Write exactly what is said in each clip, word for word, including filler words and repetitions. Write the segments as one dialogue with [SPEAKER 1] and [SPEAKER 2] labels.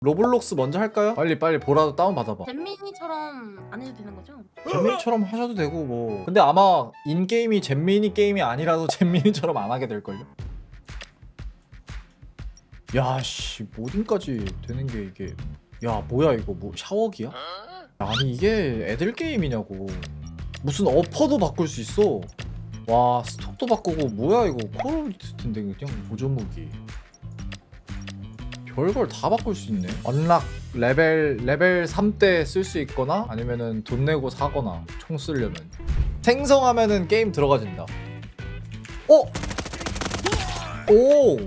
[SPEAKER 1] 로블록스 먼저 할까요? 빨리 빨리 보라도 다운 받아봐.
[SPEAKER 2] 잼민이처럼 안 해도 되는 거죠?
[SPEAKER 1] 잼민이처럼 하셔도 되고 뭐. 근데 아마 인게임이 잼민이 게임이 아니라도 잼민이처럼 안 하게 될걸요? 야씨 모딩까지 되는 게 이게 야 뭐야 이거 뭐 샤워기야? 아니 이게 애들 게임이냐고. 무슨 어퍼도 바꿀 수 있어. 와 스톡도 바꾸고 뭐야 이거 콜 오브 듀티인데 그냥 보조무기. 별걸 다 바꿀 수 있네. 언락 레벨 레벨 삼 때 쓸 수 있거나 아니면은 돈 내고 사거나 총 쓰려면 생성하면은 게임 들어가진다. 어? 오!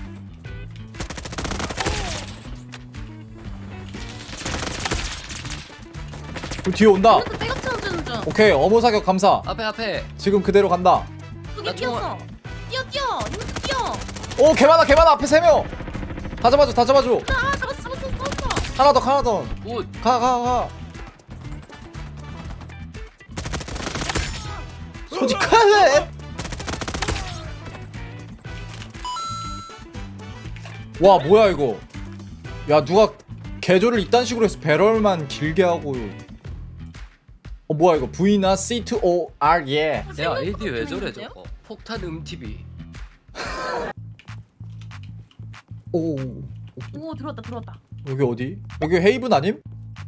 [SPEAKER 1] 그 뒤에 온다.
[SPEAKER 2] 이것도 백업 쳐주는 중.
[SPEAKER 1] 오케이 어머 사격 감사.
[SPEAKER 3] 앞에 앞에.
[SPEAKER 1] 지금 그대로 간다.
[SPEAKER 2] 여기
[SPEAKER 3] 나
[SPEAKER 2] 뛰었어. 뛰어 뛰어. 이것도 뛰어.
[SPEAKER 1] 오 개 많아 개 많아 앞에 세 명. 다 잡아줘 다 잡아줘.
[SPEAKER 2] 아 잡았어 잡았어 잡았어.
[SPEAKER 1] 하나 더 하나 더.
[SPEAKER 3] 굿.
[SPEAKER 1] 가 가 가. 솔직하네. 와 뭐야 이거. 야 누가 개조를 이딴 식으로 해서 배럴만 길게 하고. 어 뭐야 이거 V나 씨 투 오 알 예.
[SPEAKER 3] 내 아이디 왜 저래
[SPEAKER 2] 재밌는데요?
[SPEAKER 3] 저거? 폭탄 음티비.
[SPEAKER 1] 오
[SPEAKER 2] 오 들어왔다 들어왔다.
[SPEAKER 1] 여기 어디? 여기 헤이븐 아님?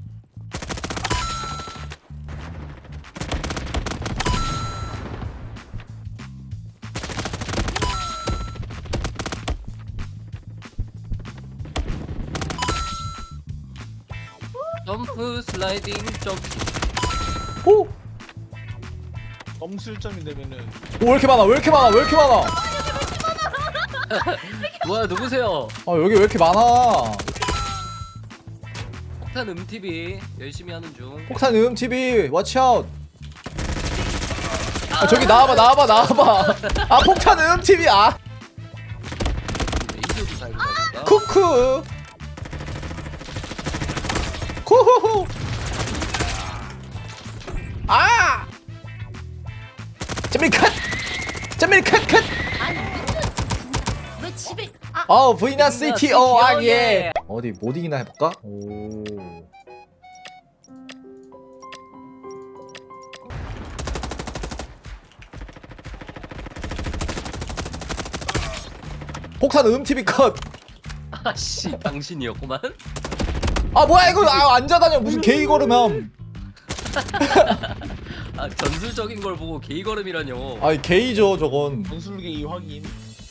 [SPEAKER 3] 점프 슬라이딩 점프.
[SPEAKER 1] 오!
[SPEAKER 4] 점술점이 되면은
[SPEAKER 1] 오, 왜 이렇게 많아? 왜 이렇게 많아? 왜 이렇게 많아?
[SPEAKER 3] 뭐야 누구세요?
[SPEAKER 1] 아 여기 왜 이렇게 많아?
[SPEAKER 3] 폭탄 음티비 열심히 하는 중.
[SPEAKER 1] 폭탄 음 티비 워치 아웃. 아 저기 나와봐 나와봐 나와봐. 아 폭탄 음 티비 아
[SPEAKER 3] 이소도 잘 보니까.
[SPEAKER 1] 쿠쿠. 쿠후후. 아. 잼밀 컷. 잼밀 컷 컷.
[SPEAKER 2] 아니 왜 집에 아
[SPEAKER 1] 어 V나 씨 티 오 알 예.
[SPEAKER 3] 예.
[SPEAKER 1] 어디 모딩이나 해볼까? 오. 폭탄 음 티비 컷.
[SPEAKER 3] 아씨 당신이었구만.
[SPEAKER 1] 아 뭐야 이거 아 앉아다녀 무슨 개이 걸음함.
[SPEAKER 3] 아 전술적인 걸 보고 게이 걸음이라뇨.
[SPEAKER 1] 아이 개이죠 저건.
[SPEAKER 4] 전술계의 확인.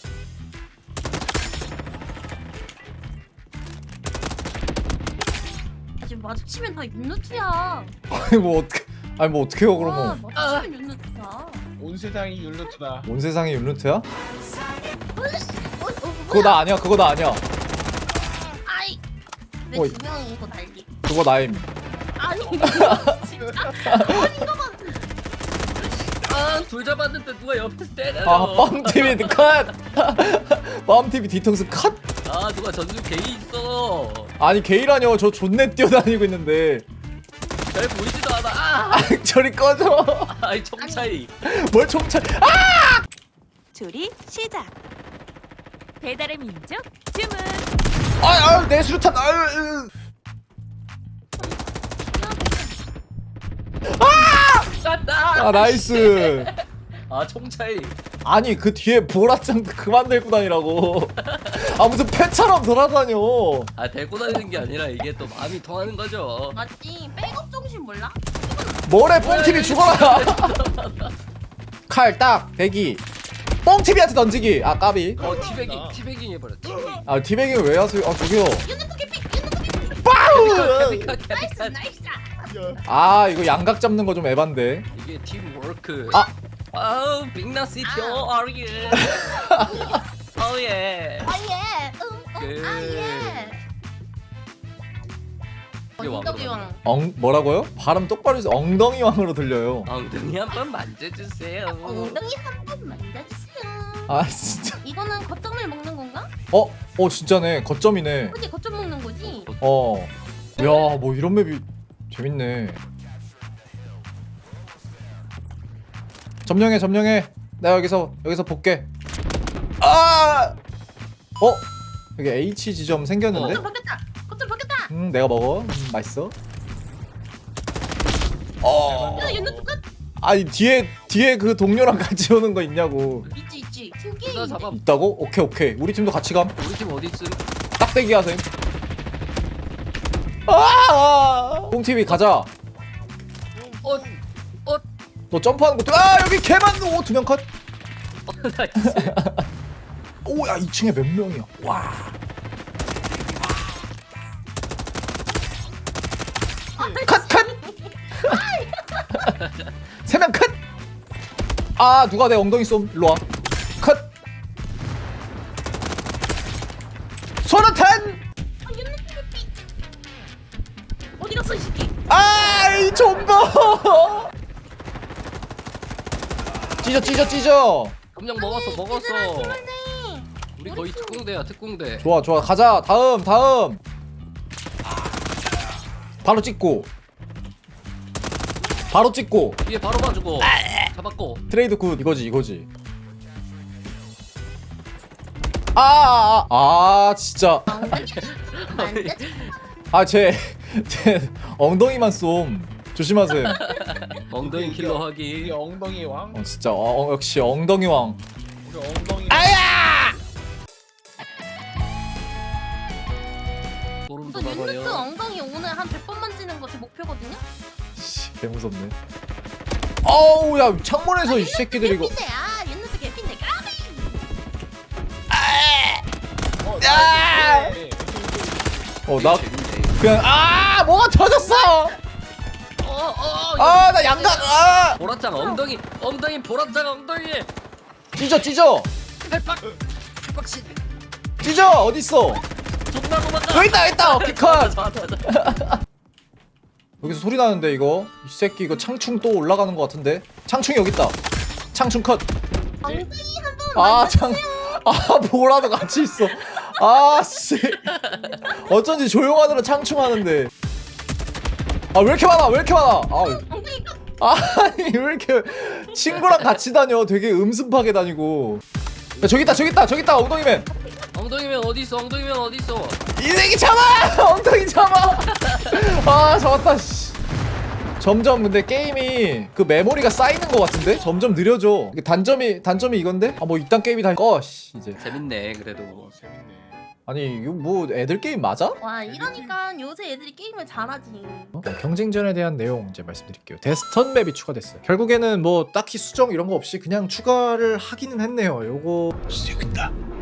[SPEAKER 2] 지금 마주치면 다 윤누트야.
[SPEAKER 1] 아니 뭐 어떻게 아니 뭐 어떻게 해요
[SPEAKER 2] 와,
[SPEAKER 1] 그러면.
[SPEAKER 2] 마주치면 윤누트야.
[SPEAKER 4] 온 세상이 율루트다.
[SPEAKER 1] 온 세상이 율루트야?
[SPEAKER 2] 어, 어,
[SPEAKER 1] 그거 나 아니야 그거 나 아니야.
[SPEAKER 2] 아이
[SPEAKER 1] 어이.
[SPEAKER 2] 내 두 명이 이거 날리.
[SPEAKER 1] 그거 나임.
[SPEAKER 2] 아니 이거 진짜 아니 이거만
[SPEAKER 3] 아둘 잡았는데 누가 옆에서 때려.
[SPEAKER 1] 아 뻔 티비 컷. 뻔 티비 뒤통수 컷.
[SPEAKER 3] 아 누가 전술 게이 있어.
[SPEAKER 1] 아니 게이라뇨 저 존내 뛰어다니고 있는데.
[SPEAKER 3] 잘 보이지도 않아. 아,
[SPEAKER 1] 아 저리 꺼져.
[SPEAKER 3] 아이 총 차이.
[SPEAKER 1] 뭘 총차.
[SPEAKER 5] 조리 시작. 배달의 민족 주문.
[SPEAKER 1] 아아내 수류탄. 아유.
[SPEAKER 3] 갔다.
[SPEAKER 1] 아 나이스.
[SPEAKER 3] 아총 차이.
[SPEAKER 1] 아니 그 뒤에 보라짱 그만 들고 다니라고. 아 무슨 패처럼 돌아다녀.
[SPEAKER 3] 아 데리고 다니는 게 아니라 이게 또 마음이 통하는 거죠.
[SPEAKER 2] 맞지? 백업 정신 몰라?
[SPEAKER 1] 뭐래 뽕티비 죽어라. 칼 딱 대기. 뽕티비한테 던지기. 아 까비.
[SPEAKER 3] 어 티베깅 티베깅 해버려. 티베깅.
[SPEAKER 1] 아 티베깅 왜 하세요? 아 저기요.
[SPEAKER 2] 윤누트 개피 윤누트 개피.
[SPEAKER 1] 빠우.
[SPEAKER 3] 캐비카
[SPEAKER 2] 나이스
[SPEAKER 3] 캐비카.
[SPEAKER 2] 나이스.
[SPEAKER 1] 아 이거 양각 잡는 거 좀 에반데.
[SPEAKER 3] 이게 팀워크.
[SPEAKER 1] 아.
[SPEAKER 3] 아우 빅나 시티 오 아르 예. 오예.
[SPEAKER 2] 아예. 응.
[SPEAKER 3] 그-
[SPEAKER 2] 응. 아예.
[SPEAKER 3] 이게 왕으로
[SPEAKER 2] 엉덩이왕.
[SPEAKER 1] 엉 뭐라고요? 발음 똑바로 해서 엉덩이 왕으로 들려요.
[SPEAKER 3] 엉덩이 한번 만져주세요.
[SPEAKER 2] 엉덩이 한 번 만져주세요.
[SPEAKER 1] 아 진짜.
[SPEAKER 2] 이거는 거점을 먹는 건가?
[SPEAKER 1] 어? 어 진짜네. 거점이네.
[SPEAKER 2] 그지 거점 먹는 거지.
[SPEAKER 1] 어. 야 뭐 이런 맵이 재밌네. 점령해 점령해. 나 여기서 여기서 볼게. 아! 어? 여기 H 지점 생겼는데?
[SPEAKER 2] 거점 바뀌었다. 거점 바뀌었다.
[SPEAKER 1] 음 내가 먹어. 음, 맛있어. 어.
[SPEAKER 2] 야 얘는 똑같.
[SPEAKER 1] 아니 뒤에 뒤에 그 동료랑 같이 오는 거 있냐고.
[SPEAKER 2] 있지 있지. 팀 게임.
[SPEAKER 3] 나 잡아.
[SPEAKER 1] 있다고? 오케이 오케이. 우리 팀도 같이 감.
[SPEAKER 3] 우리 팀 어디 있음?
[SPEAKER 1] 딱대기 하셈. 아! 뽕티비 가자.
[SPEAKER 3] 어, 어,
[SPEAKER 1] 너 점프하는 거. 아 여기 개만. 오두 명 컷.
[SPEAKER 3] 어, 나이스.
[SPEAKER 1] 오야 이 층에 몇 명이야. 와. 컷 컷. 세 명 컷. 아 누가 내 엉덩이 쏨. 일로 와. 컷. 소나탄.
[SPEAKER 2] 어디 갔어 이 새끼?
[SPEAKER 1] 아이 좀더. 찢어 찢어 찢어.
[SPEAKER 3] 점령 먹었어, 먹었어.
[SPEAKER 2] 힘들어.
[SPEAKER 3] 우리 거의 특공대야, 특공대.
[SPEAKER 1] 좋아 좋아 가자. 다음 다음. 바로 찍고. 바로 찍고.
[SPEAKER 3] 뒤에 바로 봐주고. 잡았고.
[SPEAKER 1] 트레이드 굿 이거지 이거지. 아아아 아, 아, 진짜
[SPEAKER 2] 안 돼.
[SPEAKER 1] 아제제 제 엉덩이만 쏨 조심하세요.
[SPEAKER 3] 엉덩이 킬러
[SPEAKER 4] 우리
[SPEAKER 3] 하기.
[SPEAKER 4] 엉덩이 왕.
[SPEAKER 1] 어 진짜 어, 어, 역시 엉덩이 왕.
[SPEAKER 4] 우리 엉덩이.
[SPEAKER 1] 아야!
[SPEAKER 3] 소름
[SPEAKER 2] 저 윈드스
[SPEAKER 3] 돋아버려.
[SPEAKER 2] 엉덩이 오늘 한 백 번 만지는 거 제 목표거든요.
[SPEAKER 1] 씨, 개 무섭네. 어우 야 창문에서 이 새끼들이 이거.
[SPEAKER 2] 개핀데 아 윈드스 개핀데 까비.
[SPEAKER 4] 어,
[SPEAKER 1] 야!
[SPEAKER 4] 네.
[SPEAKER 1] 어 나
[SPEAKER 3] 재밌네.
[SPEAKER 1] 그냥 아 뭐가 터졌어.
[SPEAKER 3] 어, 어,
[SPEAKER 1] 아 나 양각 아
[SPEAKER 3] 보라짱 엉덩이, 엉덩이 보라짱 엉덩이.
[SPEAKER 1] 찢어 찢어
[SPEAKER 3] 팔박, 팔박신.
[SPEAKER 1] 찢어 어디 있어?
[SPEAKER 3] 존나 도망가.
[SPEAKER 1] 여기 있다 여기 있다. 오케이 컷.
[SPEAKER 3] 좋아, 좋아, 좋아.
[SPEAKER 1] 여기서 소리 나는데 이거 이 새끼 이거 창충 또 올라가는 것 같은데. 창충이 여기 있다. 창충 컷.
[SPEAKER 2] 엉덩이 한번
[SPEAKER 1] 아창아 보라도 같이 있어. 아씨 어쩐지 조용하더라. 창충하는데 아 왜 이렇게 많아 왜 이렇게 많아. 아
[SPEAKER 2] 엉덩이 까.
[SPEAKER 1] 아니 왜 이렇게 친구랑 같이 다녀. 되게 음습하게 다니고. 야 저기 있다 저기 있다 저기 있다 엉덩이맨.
[SPEAKER 3] 엉덩이면 어디 있어? 엉덩이면 어디 있어?
[SPEAKER 1] 이 새끼 잡아 엉덩이 잡아. 아 잡았다 씨. 점점 근데 게임이 그 메모리가 쌓이는 것 같은데 점점 느려져. 이게 단점이 단점이 이건데 아 뭐 이딴 게임이 다 꺼 씨 이제.
[SPEAKER 3] 재밌네 그래도.
[SPEAKER 4] 어, 재밌네.
[SPEAKER 1] 아니 이거 뭐 애들 게임 맞아?
[SPEAKER 2] 와 이러니까 요새 애들이 게임을 잘하지.
[SPEAKER 1] 어? 경쟁전에 대한 내용 이제 말씀드릴게요. 데스턴 맵이 추가됐어요. 결국에는 뭐 딱히 수정 이런 거 없이 그냥 추가를 하기는 했네요. 요거
[SPEAKER 4] 재밌다.